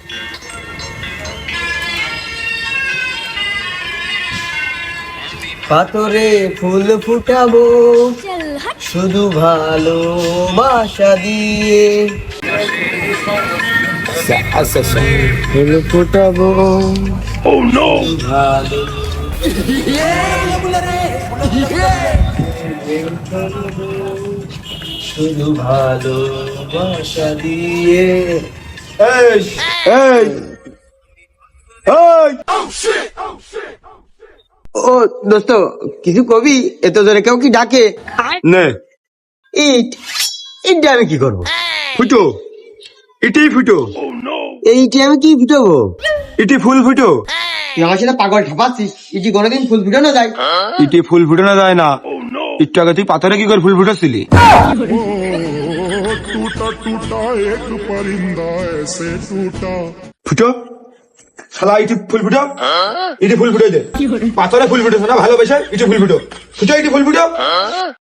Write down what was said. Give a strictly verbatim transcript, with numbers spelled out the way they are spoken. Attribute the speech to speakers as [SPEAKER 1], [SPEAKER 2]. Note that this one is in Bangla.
[SPEAKER 1] পাথরে ফুল ফুটাবো শুধু ভালোবাসা দিয়ে, ফুল ফুটাবো ভালো শুধু ভালোবাসা দিয়ে। এই এই ও দোস্ত, কিছু কবি? এত ধরে কেউ কি ডাকে?
[SPEAKER 2] নে
[SPEAKER 1] ইট ইট আমি কি করবো?
[SPEAKER 2] ফুটো, এটাই ফুটো,
[SPEAKER 1] এইটি আমি কি ফুটাবো?
[SPEAKER 2] এটি ফুল ফুটো।
[SPEAKER 1] তুই আমার সাথে পাগল ঠাপাচ্ছিস? ইটি কোনোদিন ফুল ফুটানো যায়?
[SPEAKER 2] ইটি ফুল ফুটানো যায় না। একটু আগে তুই পাথরে কি করে ফুল ফুটাচ্ছিলি?
[SPEAKER 3] टूटा टूटा एक परिंदा ऐसे टूटा।
[SPEAKER 2] ফুটো শালা, ইটি ফুল ফুটো, ইটি ফুল ফুটে দে। পাথরে ফুল ফুটেছে না ভালোবেসে, ইটি ফুল ফুটো, ফুটো ইটি ফুল ফুটো।